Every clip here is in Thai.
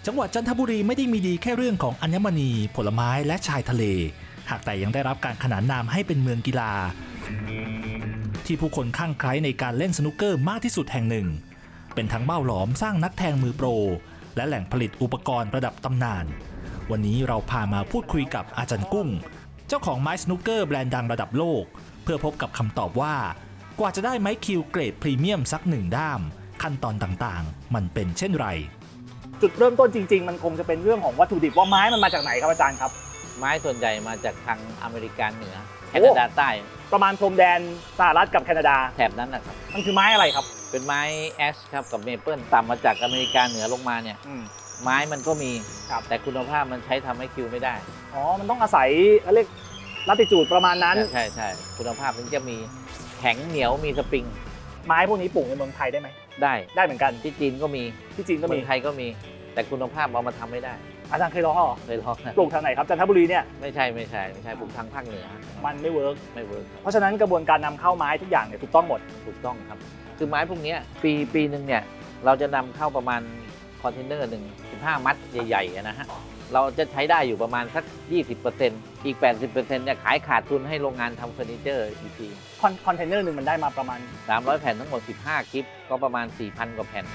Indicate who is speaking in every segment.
Speaker 1: จังหวัดจันทบุรีไม่ได้มีดีแค่เรื่องของอัญมณีผลไม้และชายทะเลหากแต่ยังได้รับการขนานนามให้เป็นเมืองกีฬาที่ผู้คนคลั่งไคล้ในการเล่นสนุกเกอร์มากที่สุดแห่งหนึ่งเป็นทั้งเบ้าหลอมสร้างนักแทงมือโปรและแหล่งผลิตอุปกรณ์ระดับตำนานวันนี้เราพามาพูดคุยกับอาจารย์กุ้งเจ้าของไม้สนุกเกอร์แบรนด์ดังระดับโลกเพื่อพบกับคำตอบว่ากว่าจะได้ไม้คิวเกรดพรีเมียมสักหนึ่งด้ามขั้นตอนต่างๆมันเป็นเช่นไรจุดเริ่มต้นจริงๆมันคงจะเป็นเรื่องของวัตถุดิบว่าไม้มันมาจากไหนครับอาจารย์ครับ
Speaker 2: ไม้ส่วนใหญ่มาจากทางอเมริกาเหนือแคนาดาใต้
Speaker 1: ประมาณพรมแดนสหรัฐกับแคนาดา
Speaker 2: แถบนั้นนะครับ
Speaker 1: มันคือไม้อะไรครับ
Speaker 2: เป็นไม้แอชครับกับเมเปิลต่ำมาจากอเมริกาเหนือลงมาเนี่ยไม้มันก็มีแต่คุณภาพมันใช้ทำให้คิวไม่ได้
Speaker 1: อ๋อมันต้องอาศัยเรียกลัติจูดประมาณนั้น
Speaker 2: ใช่ใช่คุณภาพถึงจะมีแข็งเหนียวมีสปริง
Speaker 1: ไม้พวกนี้ปลูกในเมืองไทยได้ไหมได้เหมือนกัน
Speaker 2: ที่จีนก็มี
Speaker 1: ที่จีนก็มี
Speaker 2: เมืองไทยก็มีแต่คุณภาพเอามาทำไม่ได้
Speaker 1: อาจารย์เคยลองเหรอ
Speaker 2: เคยลอง
Speaker 1: ปลูกทางไหนครับจันทบุรีเนี่ย
Speaker 2: ไม่ใช่ปลูกทางภาคเหนือ
Speaker 1: มันไม่เวิร์กเพราะฉะนั้นกระบวนการนำเข้าไม้ทุกอย่างเนี่ยถูกต้องหมด
Speaker 2: ถูกต้องครับคือไม้พวกนี้ปีหนึ่งเนี่ยเราจะนำเข้าประมาณคอนเทนเนอร์หนึ่ง15 มัดใหญ่ๆนะฮะเราจะใช้ได้อยู่ประมาณสัก 20% อีก 80% เนี่ยขายขาดทุนให้โรงงานทำเฟอร์นิเจอร์อีกที
Speaker 1: คอนเทนเนอร์หนึ่งมันได้มาประมาณ
Speaker 2: 300 แผ่นทั้งหมด15 กิฟต์ก็ประมาณ 4,000 กว่าแผ่น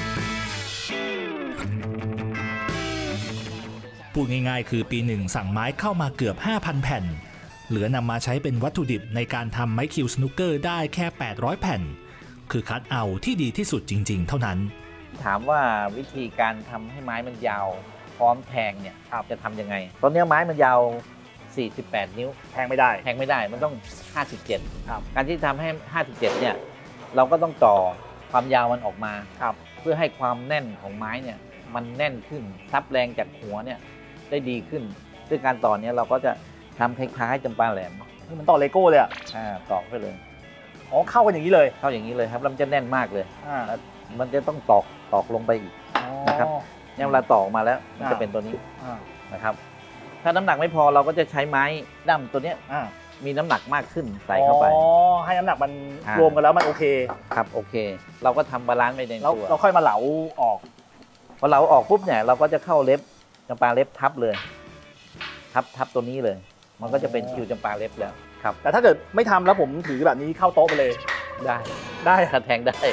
Speaker 1: พูดง่ายๆคือปีหนึ่งสั่งไม้เข้ามาเกือบ 5,000 แผ่นเหลือนำมาใช้เป็นวัตถุดิบในการทำไม้คิวสนุกเกอร์ได้แค่800 แผ่นคือคัดเอาที่ดีที่สุดจริงๆเท่านั้น
Speaker 2: ถามว่าวิธีการทำให้ไม้มันยาวพร้อมแทงเนี่ยจะทำยังไงตอนนี้ไม้มันยาว48 นิ้ว
Speaker 1: แทงไม่ได้
Speaker 2: มันต้อง57การที่ทำให้57เนี่ยเราก็ต้องต่อความยาวมันออกมาเพื่อให้ความแน่นของไม้เนี่ยมันแน่นขึ้นซับแรงจากหัวเนี่ยได้ดีขึ้นซึ่งการต่อเนี้ยเราก็จะทำคล้ายๆจำปาแหลม
Speaker 1: คือมันต่อเลโก้เลยอ่ะ
Speaker 2: ต่อไปเลย
Speaker 1: อ๋อเข้ากันอย่างนี้เลย
Speaker 2: เข้าอย่างนี้เลยครับแล้วมันจะแน่นมากเลยมันจะต้องตอกลงไปอีกนะครับเนี่ยเวลาตอกมาแล้วมันจะเป็นตัวนี้นะครับถ้าน้ำหนักไม่พอเราก็จะใช้ไม้ด้ามตัวเนี้ยมีน้ำหนักมากขึ้นใส่เข้าไป
Speaker 1: ให้น้ำหนักมันรวมกันแล้วมันโอเค
Speaker 2: ครับโอเคเราก็ทำบาลานซ์ไปในตัว
Speaker 1: เราค่อยมาเหลาออก
Speaker 2: พอเหลาออกปุ๊บเนี่ยเราก็จะเข้าเล็บจำปาเล็บทับเลยทับตัวนี้เลยมันก็จะเป็นคิวจำปาเล็บแล้วครับ
Speaker 1: แต่ถ้าเกิดไม่ทำแล้วผมถือแบบนี้เข้าโต๊ะไปเลย
Speaker 2: ได้แทงได้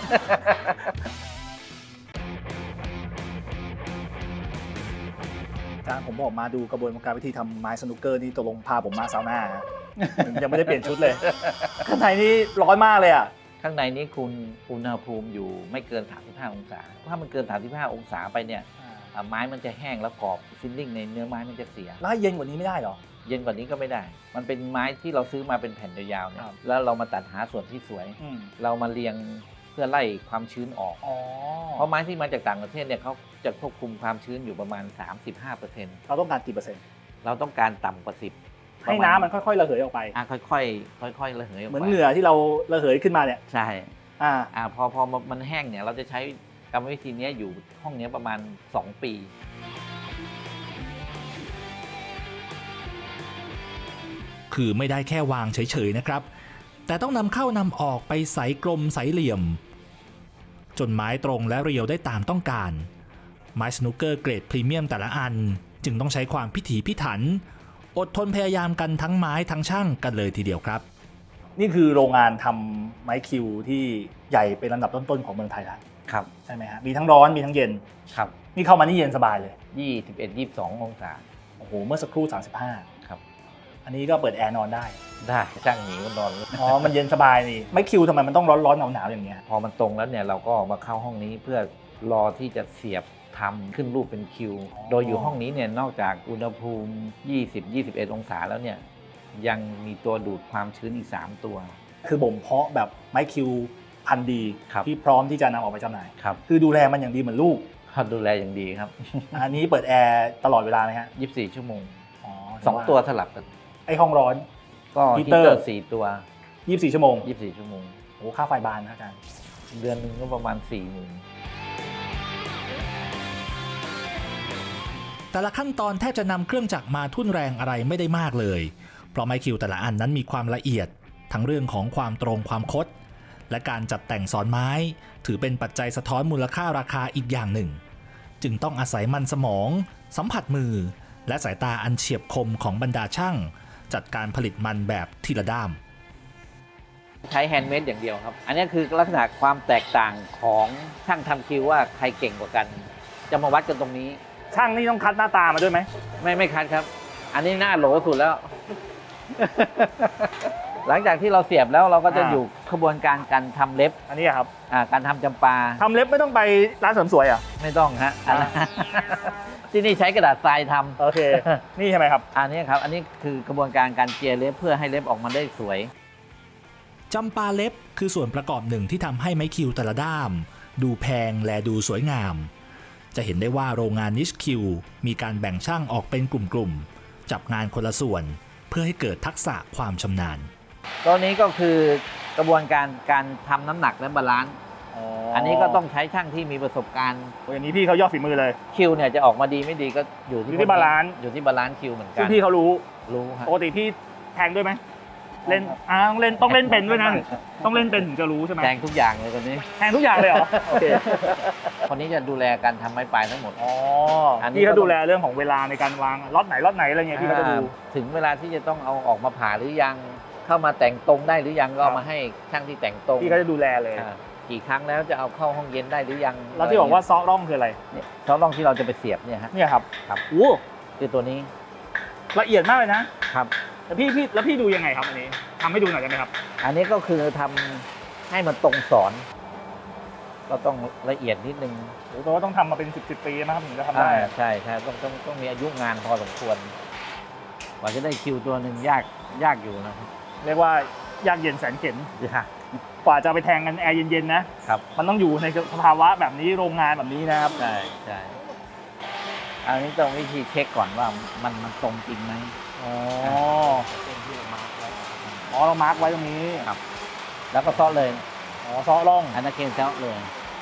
Speaker 1: อาจารย์ผมบอกมาดูกระบวนการวิธีทำไม้สนุกเกอร์นี่ตกลงพาผมมาซาวน่ายังไม่ได้เปลี่ยนชุดเลยข้างในนี่ร้อนมากเลยอ่ะ
Speaker 2: ข้างในนี้คุณอุณหภูมิอยู่ไม่เกิน35 องศาถ้ามันเกิน35 องศาไปเนี่ยไม้มันจะแห้งแล้วกรอบฟิลลิ่งในเนื้อไม้มันจะเสีย
Speaker 1: แล้วเย็นกว่านี้ไม่ได้หรอ
Speaker 2: เย็นกว่านี้ก็ไม่ได้มันเป็นไม้ที่เราซื้อมาเป็นแผ่นยาวๆเนี่ยแล้วเรามาตัดหาส่วนที่สวยเรามาเรียงเพื่อไล่ความชื้นออกเพราะไม้ที่มาจากต่างประเทศเนี่ยเขาจะควบคุมความชื้นอยู่ประมาณ 35%
Speaker 1: เราต้องการกี่เปอร์เซ็นต์
Speaker 2: เราต้องการต่ำกว่า10
Speaker 1: ให้น้ำมันค่อยๆระเหยออกไป
Speaker 2: ค่อยๆระเหยออกไป
Speaker 1: เหมือนเหงื่อที่เราระเหยขึ้นมาเนี่ย
Speaker 2: ใช่พอมันแห้งเนี่ยเราจะใช้กรรมวิธีนี้อยู่ห้องนี้ประมาณ2 ปี
Speaker 1: คือไม่ได้แค่วางเฉยๆนะครับแต่ต้องนำเข้านำออกไปใสกลมใสเหลี่ยมจนไม้ตรงและเรียวได้ตามต้องการไม้สนุกเกอร์เกรดพรีเมียมแต่ละอันจึงต้องใช้ความพิถีพิถันอดทนพยายามกันทั้งไม้ทั้งช่างกันเลยทีเดียวครับนี่คือโรงงานทำไม้คิวที่ใหญ่เป็นลำดับต้นๆของเมืองไทยแล้ว
Speaker 2: ครับ
Speaker 1: ใช่ไหมฮะมีทั้งร้อนมีทั้งเย็น
Speaker 2: ครับ
Speaker 1: นี่เข้ามานี่เย็นสบายเลย
Speaker 2: 21-22 องศา
Speaker 1: โอ้โหเมื่อสักครู่35
Speaker 2: ครับ
Speaker 1: อันนี้ก็เปิดแอร์นอนได้
Speaker 2: ช่างหนีก็นอน
Speaker 1: อ๋อมันเย็นสบายนี่ไม้คิวทำไมมันต้องร้อนๆหนาวๆอย่างเงี้ย
Speaker 2: พอมันตรงแล้วเนี่ยเราก็มาเข้าห้องนี้เพื่อรอที่จะเสียบทำขึ้นรูปเป็นคิวโดยอยู่ห้องนี้เนี่ยนอกจากอุณหภูมิ20-21 องศาแล้วเนี่ยยังมีตัวดูดความชื้นอีก3 ตัว
Speaker 1: คือบ่มเพาะแบบไม้คิวพันธุ์ดีที่พร้อมที่จะนำออกไปจำหน่ายคือดูแลมันอย่างดีเหมือนลูก
Speaker 2: ดูแลอย่างดีครับ
Speaker 1: อันนี้เปิดแอร์ตลอดเวลาไหมฮะ
Speaker 2: 24 ชั่วโมง2 ตัวสลับกัน
Speaker 1: ไอห้องร้อน
Speaker 2: ก็ฮีเตอร์4 ตัว
Speaker 1: 24 ชั่วโมงโอ้ค่าไฟบานนะอาจารย์
Speaker 2: เดือนนึงก็ประมาณ 40,000
Speaker 1: แต่ละขั้นตอนแทบจะนำเครื่องจักรมาทุ่นแรงอะไรไม่ได้มากเลยเพราะไม้คิวแต่ละอันนั้นมีความละเอียดทั้งเรื่องของความตรงความคดและการจัดแต่งซ้อนไม้ถือเป็นปัจจัยสะท้อนมูลค่าราคาอีกอย่างหนึ่งจึงต้องอาศัยมันสมอง สัมผัสมือ และสายตาอันเฉียบคมของบรรดาช่าง จัดการผลิตมันแบบทีละด้าม
Speaker 2: ใช้แฮนด์เมดอย่างเดียวครับ อันนี้คือลักษณะความแตกต่างของช่างทำคิวว่าใครเก่งกว่ากัน จะมาวัดกันตรงนี้
Speaker 3: ช่างนี่ต้องคัดหน้าตามาด้วยไหม
Speaker 2: ไม่คัดครับ อันนี้หน้าโหลสุดแล้ว หลังจากที่เราเสียบแล้วเราก็จะอยู่ขบวนการการทำเล็บ
Speaker 3: อันนี้อะครับ
Speaker 2: การทำจำปา
Speaker 3: ทำเล็บไม่ต้องไปร้านเสริมสวยอ่ะ
Speaker 2: ไม่ต้องฮะ ที่นี่ใช้กระดาษทรายทำ
Speaker 3: โอเค นี่ใช่ไหมครับ
Speaker 2: อันนี้ครับ อันนี้คือกระบวนการการเจียเล็บเพื่อให้เล็บออกมาได้สวย
Speaker 1: จำปาเล็บคือส่วนประกอบหนึ่งที่ทำให้ไม้คิวแต่ละด้าม ดูแพงและดูสวยงาม จะเห็นได้ว่าโรงงานนิชคิวมีการแบ่งช่างออกเป็นกลุ่มๆ จับงานคนละส่วน เพื่อให้เกิดทักษะความชำนาญ
Speaker 2: ตัวนี้ก็คือกระบวนการการทำน้ำหนักและบาลานซ์ อันนี้ก็ต้องใช้ช่างที่มีประสบการณ์
Speaker 3: อย่างนี้พี่เขายอดฝีมือเลย
Speaker 2: คิวเนี่ยจะออกมาดีไม่ดีก็อยู่ที่
Speaker 3: อยู่ที่บาลานซ์
Speaker 2: อยู่ที่บาลานซ์คิวเหมือนกั
Speaker 3: ซึ่
Speaker 2: น
Speaker 3: งพี่เขารู้
Speaker 2: รู้ฮะ
Speaker 3: ปกติพี่แทงด้วยไหมเล่นต้องเล่นเป็นด้วยนะ ต้องเล่นเป็นถึงจะรู้ใช่ไหม
Speaker 2: แทงทุกอย่างเลยคนนี้
Speaker 3: แทงทุกอย่างเลยเหรอ โอเค
Speaker 2: คนนี้จะดูแลการทำไม้ปลายทั้งหมด
Speaker 3: อ๋อ
Speaker 2: อันนี้
Speaker 3: พี่เขาดูแลเรื่องของเวลาในการวางล็อตไหนอะไรเงี้ยพี่เขาจะดู
Speaker 2: ถึงเวลาที่จะต้องเอาออกมาผ่าหรือยัง เข้ามาแต่งตรงได้หรือยังก็เอามาให้ช่างที่แต่งตรง
Speaker 3: พี่เขาจะดูแลเลย
Speaker 2: กี่ครั้งแล้วจะเอาเข้าห้องเย็นได้หรือยัง
Speaker 3: แล้วที่บอกว่าซอร่องคืออะไร
Speaker 2: เนี่ยซอสร่องที่เราจะไปเสียบเนี่ยฮะ
Speaker 3: เนี่ยครับ
Speaker 2: ครับ
Speaker 3: โอ้
Speaker 2: คือตัวนี้
Speaker 3: ละเอียดมากเลยนะครับ แล้วพี่ดูยังไงครับอันนี้ทำให้ดูหน่อยได้ไหมครับ
Speaker 2: อันนี้ก็คือทำให้มันตรงสอน ก็ต้องละเอียดนิดนึง
Speaker 3: โอ้โหต้องทำมาเป็น10 ปีนะครับถึงจะทำได้
Speaker 2: ใช่ต้องมีอายุงานพอสมควรกว่าจะได้คิวตัวหนึ่งยากอยู่นะครับ
Speaker 3: เรียกว่ายากเย็นแสนเข็ญ
Speaker 2: ยาก
Speaker 3: กว่าจะไปแทงกันแอร์เย็นๆนะครับ มันต้องอยู่ในสภาวะแบบนี้โรงงานแบบนี้นะครับ
Speaker 2: ใช่อันนี้ต้องวิธีเช็คก่อนว่ามันตรงจริงไหม
Speaker 3: อ๋อ
Speaker 2: เส้นที่เรามาร์กไว้
Speaker 3: อ๋อเรามาร์กไว้ตรงนี้
Speaker 2: ครับ แล้วก็ซอสเลย
Speaker 3: อ๋อซอร่อง
Speaker 2: อันนั้นเกณฑ์ซอสเลย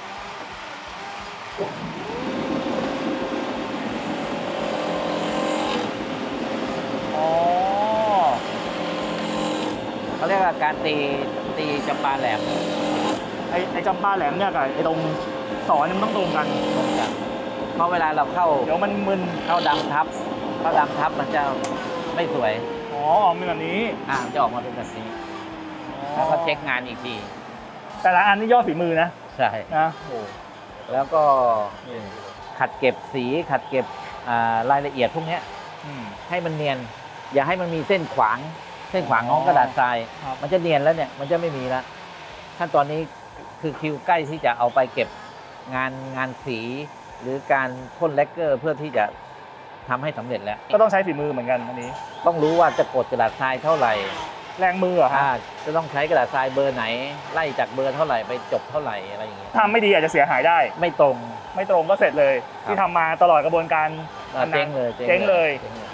Speaker 3: อ๋อ
Speaker 2: เขาเรียกว่าการตีจำปาแหลม
Speaker 3: ไอ้จำปาแหลมเนี่ยกับไอ้ตรงสอนเนี่ยมันต้องตรงกัน
Speaker 2: ตรงกันเพราะเวลาเราเข้า
Speaker 3: เดี๋ยวมันมึน
Speaker 2: เข้าดำทับมันจะไม่สวย
Speaker 3: อ๋อออกเป็นแบบนี้
Speaker 2: มันจะออกมาเป็นแบบนี้ แล้วก็เช็คงานอีกที
Speaker 3: แต่ละอันนี่ยอดฝีมือนะ
Speaker 2: ใช่
Speaker 3: นะโอ้
Speaker 2: แล้วก็ขัดเก็บสีขัดเก็บรายละเอียดพวกเนี้ย
Speaker 3: อืม
Speaker 2: ให้มันเนียน อย่าให้มันมีเส้นขวางของกระดาษทราย
Speaker 3: ครับ
Speaker 2: มันจะเนียนแล้วเนี่ยมันจะไม่มีแล้วขั้นตอนนี้คือคิวใกล้ที่จะเอาไปเก็บงานสี หรือการพ่นแลกเกอร์เพื่อที่จะทำให้สำเร็จแล้ว
Speaker 3: ก็ต้องใช้ฝีมือเหมือนกันอันนี้
Speaker 2: ต้องรู้ว่าจะกดกระดาษทรายเท่าไหร่
Speaker 3: แรงมือเหรอฮะ
Speaker 2: จะต้องใช้กระดาษทรายเบอร์ไหน ไล่จากเบอร์เท่าไหร่ไปจบเท่าไหร่อะไรอย่างเงี้ย
Speaker 3: ทำไม่ดีอาจจะเสียหายได้
Speaker 2: ไม่ตรง
Speaker 3: ไม่ตรงก็เสร็จเลย
Speaker 2: ครับ
Speaker 3: ที่ทำมาตลอดกระบวนการ
Speaker 2: เจ๊งเลย
Speaker 3: เจ๊งเลย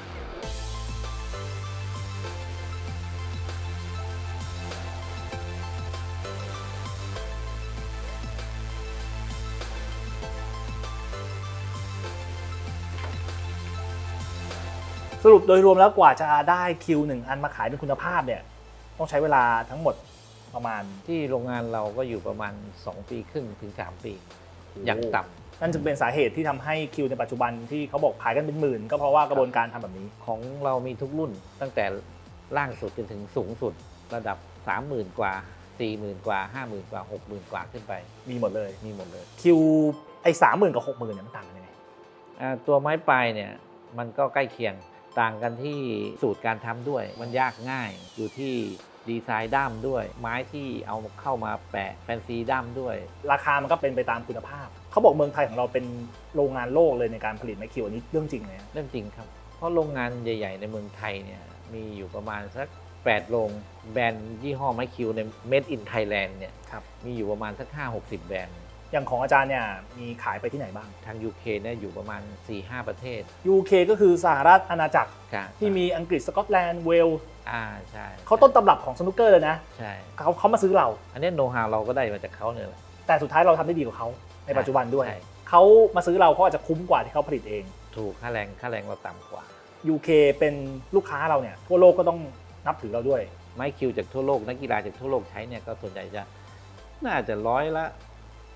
Speaker 3: สรุปโดยรวมแล้วกว่าจะได้คิวหนึ่งอันมาขายเป็นคุณภาพเนี่ยต้องใช้เวลาทั้งหมดประมาณ
Speaker 2: ที่โรงงานเราก็อยู่ประมาณ2 ปีครึ่งถึง3 ปี อย่างต่ำ
Speaker 3: นั่นจึงเป็นสาเหตุที่ทำให้คิวในปัจจุบันที่เขาบอกขายกันเป็นหมื่นก็เพราะว่ากระบวนการทำแบบนี้
Speaker 2: ของเรามีทุกรุ่นตั้งแต่ล่างสุดจนถึงสูงสุดระดับ 30,000 กว่า 40,000 กว่า 50,000 กว่า 60,000 กว่าขึ้นไป
Speaker 3: มีหมดเลย
Speaker 2: มีหมดเลย
Speaker 3: คิวไอ้30,000กับ60,000เนี่ยมันต่างกันยังไง
Speaker 2: ตัวไม้ปลายเนี่ยมันก็ใกล้เคียงต่างกันที่สูตรการทำด้วย มันยากง่ายอยู่ที่ดีไซน์ด้ามด้วย ไม้ที่เอาเข้ามาแปะแฟนซีด้ามด้วย
Speaker 3: ราคามันก็เป็นไปตามคุณภาพ เขาบอกเมืองไทยของเราเป็นโรงงานโลกเลยในการผลิตไม้คิวอันนี้เรื่องจริงไหม
Speaker 2: เรื่องจริงครับ เพราะโรงงานใหญ่ ๆ ในเมืองไทยเนี่ยมีอยู่ประมาณสัก8 โรงแบรนด์ยี่ห้อไม้คิวใน Made in Thailand เนี่ย
Speaker 3: ครับ
Speaker 2: มีอยู่ประมาณสัก 5-60 แบรนด์
Speaker 3: อย่างของอาจารย์เนี่ยมีขายไปที่ไหนบ้าง
Speaker 2: ทาง UK เนี่ยอยู่ประมาณ 4-5 ประเทศ
Speaker 3: UK ก็คือสหรัฐอาณาจักร
Speaker 2: ครับ
Speaker 3: ที่มีอังกฤษสกอตแลนด์เวลส์
Speaker 2: ใช่
Speaker 3: เขาต้นตำรับของสนุกเกอร์เลยนะ
Speaker 2: ใช่
Speaker 3: เขามาซื้อเรา
Speaker 2: อันนี้โน้ตฮาวเราก็ได้มาจากเขาเนี่ยแหละ
Speaker 3: แต่สุดท้ายเราทำได้ดีกว่าเขาในปัจจุบันด้วย
Speaker 2: ใช่
Speaker 3: เขามาซื้อเราเขาอาจจะคุ้มกว่าที่เขาผลิตเอง
Speaker 2: ถูกค่าแรงเราต่ำกว่า
Speaker 3: UK เป็นลูกค้าเราเนี่ยทั่วโลกก็ต้องนับถือเราด้วย
Speaker 2: ไม้คิวจากทั่วโลกนักกีฬาจากทั่วโลกใช้เนี่ยก็ส่วนใหญ่จะน่าจะ100%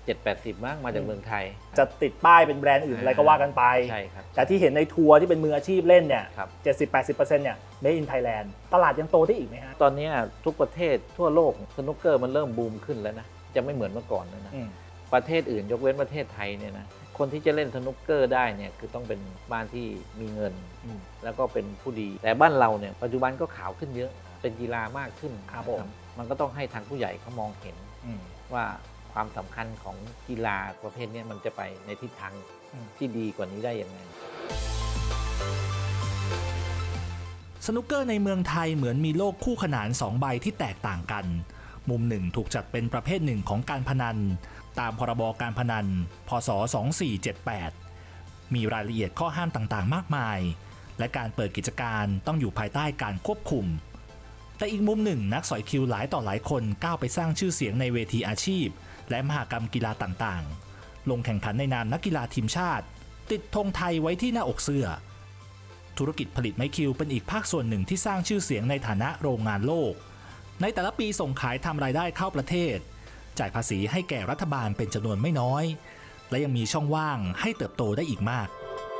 Speaker 2: 7-80มั้งมาจากเมืองไทย
Speaker 3: จะติดป้ายเป็นแบรนด์อื่นอะไรก็ว่ากันไป
Speaker 2: ใช่ครับ
Speaker 3: แต่ที่เห็นในทัวร์ที่เป็นมืออาชีพเล่นเนี่ย
Speaker 2: ครับ
Speaker 3: 70-80%เนี่ย Made in Thailand ตลาดยังโตได้อีกไหมฮะ
Speaker 2: ตอนนี้ทุกประเทศทั่วโลกสนุกเกอร์มันเริ่มบูมขึ้นแล้วนะจะไม่เหมือนเมื่อก่อนแล้วนะ
Speaker 3: อืม
Speaker 2: ประเทศอื่นยกเว้นประเทศไทยเนี่ยนะคนที่จะเล่นสนุกเกอร์ได้เนี่ยคือต้องเป็นบ้านที่มีเงิน แล้วก็เป็นผู้ดี แต่บ้านเราเนี่ยปัจจุบันก็ขาวขึ้นเยอะเป็นกีฬามากขึ้น
Speaker 3: ครับ
Speaker 2: นะ
Speaker 3: ผม
Speaker 2: มันก็ต้องให้ทางผู้ใหญ่เขามองเห็น ว่าความสำคัญของกีฬาประเภทนี้มันจะไปในทิศทางที่ดีกว่านี้ได้ยังไง
Speaker 1: สนุกเกอร์ในเมืองไทยเหมือนมีโลกคู่ขนาน2 ใบที่แตกต่างกัน มุมหนึ่งถูกจัดเป็นประเภทหนึ่งของการพนัน ตามพรบการพนัน พศ 2478 มีรายละเอียดข้อห้ามต่างๆ มากมาย และการเปิดกิจการต้องอยู่ภายใต้การควบคุม แต่อีกมุมหนึ่งนักสอยคิวหลายต่อหลายคนก้าวไปสร้างชื่อเสียงในเวทีอาชีพ และมหกรรมกีฬาต่างๆ ลงแข่งขันในนามนักกีฬาทีมชาติ ติดธงไทยไว้ที่หน้าอกเสื้อ ธุรกิจผลิตไม้คิวเป็นอีกภาคส่วนหนึ่งที่สร้างชื่อเสียงในฐานะโรงงานโลก ในแต่ละปีส่งขายทำรายได้เข้าประเทศ จ่ายภาษีให้แก่รัฐบาลเป็นจำนวนไม่น้อย และยังมีช่องว่างให้เติบโตได้อีกมาก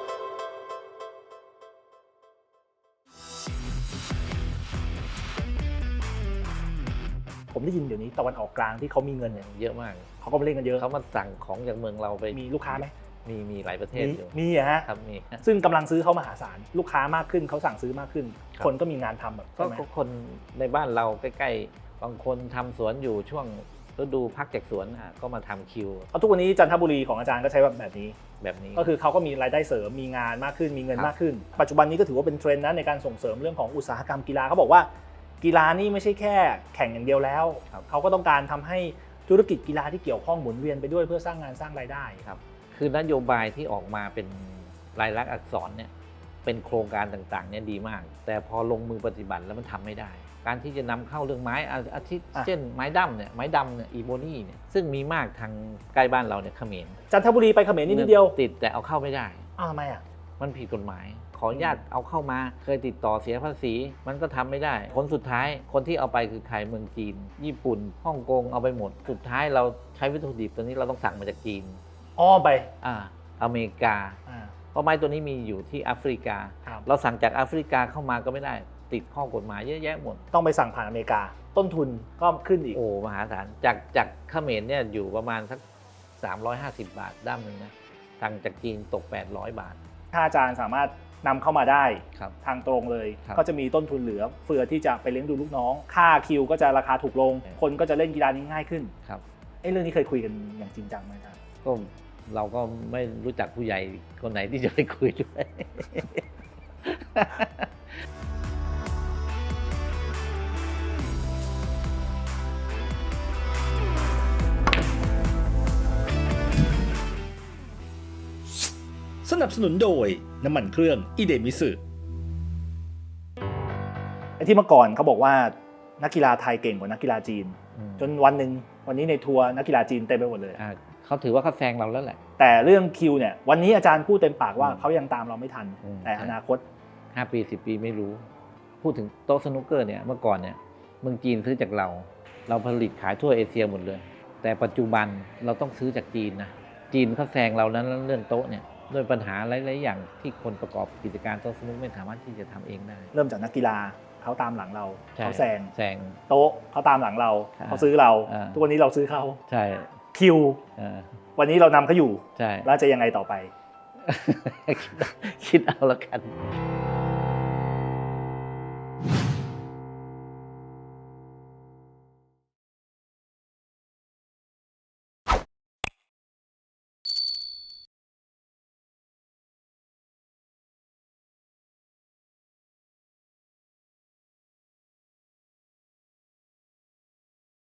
Speaker 3: ผมได้ยินเดี๋ยวนี้ตะวันออกกลางที่เขามีเงินเนี่ย
Speaker 2: เยอะมาก
Speaker 3: เขาก็มาเล่นกันเยอะ
Speaker 2: เขามาสั่งของจากเมืองเราไป
Speaker 3: มีลูกค้าไหม
Speaker 2: มีหลายประเทศอยู่
Speaker 3: มีอะฮะ
Speaker 2: ครับมี
Speaker 3: ซึ่งกำลังซื้อเขามหาศาลลูกค้ามากขึ้นเขาสั่งซื้อมากขึ้น
Speaker 2: ครับ
Speaker 3: คนก็มีงานทำแบบ
Speaker 2: ก็
Speaker 3: ใช่ไหม
Speaker 2: คนในบ้านเราใกล้ๆบางคนทำสวนอยู่ช่วงฤดูพักจากสวนก็มาทำคิว
Speaker 3: เอาทุกวันนี้จันทบุรีของอาจารย์ก็ใช้แบบนี้
Speaker 2: แบบนี้
Speaker 3: ก็คือเขาก็มีรายได้เสริมมีงานมากขึ้นมีเงิน
Speaker 2: ครับ
Speaker 3: มากขึ้น ปัจจุบันนี้ก็ถือว่าเป็นเทรนด์นะในการส่งเสริมเรื่องของอุตสาหกรรมกีฬาเขาบอกว่ากีฬานี่ไม่ใช่แค่แข่งอย่างเดียวแล้ว เขาก็ต้องการทำให้ธุรกิจกีฬาที่เกี่ยวข้องหมุนเวียนไปด้วยเพื่อสร้างงานสร้างรายได้
Speaker 2: ครับคือนโยบายที่ออกมาเป็นลายลักษณ์อักษรเนี่ยเป็นโครงการต่างๆเนี่ยดีมาก แต่พอลงมือปฏิบัติแล้วมันทำไม่ได้ การที่จะนำเข้าเรื่องไม้อาทิเช่นไม้ดำเนี่ยอีโบนี่เนี่ยซึ่งมีมากทางใกล้บ้านเราเนี่ยเขมร
Speaker 3: จันทบุรีไปเขมรนิดเดียว
Speaker 2: ติดแต่เอาเข้าไม่ได้
Speaker 3: อ้าวทำไมอ่ะ
Speaker 2: มันผิดกฎหมาย ขออนุญาตเอาเข้ามาเคยติดต่อเสียภาษี มันก็ทำไม่ได้ผลสุดท้ายคนที่เอาไปคือใครเมืองจีน ญี่ปุ่นฮ่องกงเอาไปหมด สุดท้ายเราใช้วัตถุดิบตัวนี้เราต้องสั่งมาจากจีน
Speaker 3: อ้อมไป
Speaker 2: อเมริกา เพราะไม้ตัวนี้มีอยู่ที่แอฟริกา
Speaker 3: ครับ
Speaker 2: เราสั่งจากแอฟริกาเข้ามาก็ไม่ได้ ติดข้อกฎหมายเยอะแยะหมด
Speaker 3: ต้องไปสั่งผ่านอเมริกา ต้นทุนก็ขึ้นอีก
Speaker 2: โอ้มหาศาลจากเขมรเนี่ยอยู่ประมาณสัก350 บาทด้ามหนึ่งนะสั่งจากจีนตก800 บาท
Speaker 3: ถ้าอาจารย์สามารถนำเข้ามาได้
Speaker 2: ครับ
Speaker 3: ทางตรงเลย
Speaker 2: ครับ
Speaker 3: ก็จะมีต้นทุนเหลือเฟือที่จะไปเลี้ยงดูลูกน้อง ค่าคิวก็จะราคาถูกลง คนก็จะเล่นกีฬานี้ง่ายขึ้น
Speaker 2: ครับ
Speaker 3: เรื่องนี้เคยคุยกันอย่างจริงจังไหมครับ
Speaker 2: ก็เราก็ไม่รู้จักผู้ใหญ่คนไหนที่จะไปคุยด้วย
Speaker 1: สนับสนุนโดยน้ำมันเครื่องอิเดมิสึ
Speaker 3: ไอ้ที่เมื่อก่อนเขาบอกว่านักกีฬาไทยเก่งกว่านักกีฬาจีน จนวันนี้ในทัวร์นักกีฬาจีนเต็มไปหมดเลย
Speaker 2: เขาถือว่าเขาแซงเราแล้วแหละ
Speaker 3: แต่เรื่องคิวเนี่ยวันนี้อาจารย์พูดเต็มปากว่า
Speaker 2: อืม
Speaker 3: เขายังตามเราไม่ทัน แต่อนาคต
Speaker 2: 5 ปี 10 ปีไม่รู้ พูดถึงโต๊ะสนุกเกอร์เนี่ยเมื่อก่อนเนี่ยเมืองจีนซื้อจากเราผลิตขายทั่วเอเชียหมดเลย แต่ปัจจุบันเราต้องซื้อจากจีนนะจีนเขาแซงเรานั้นเรื่องโต๊ะเนี่ยด้วยปัญหาหลายๆอย่างที่คนประกอบกิจการโต๊ะสนุกไม่สามารถที่จะทำเองได้
Speaker 3: เริ่มจากนักกีฬาเขาตามหลังเรา
Speaker 2: ใช่
Speaker 3: เขาแซง
Speaker 2: ง
Speaker 3: โต๊ะเขาตามหลังเรา
Speaker 2: อ่า
Speaker 3: เขาซื้อเรา
Speaker 2: อ่า
Speaker 3: ทุกวันนี้เราซื้อเขา
Speaker 2: ใช่
Speaker 3: คิว
Speaker 2: เออ
Speaker 3: วันนี้เรานำเขาอยู่
Speaker 2: ใช่
Speaker 3: แล้วจะยังไงต่อไป
Speaker 2: คิดเอาแล้วกัน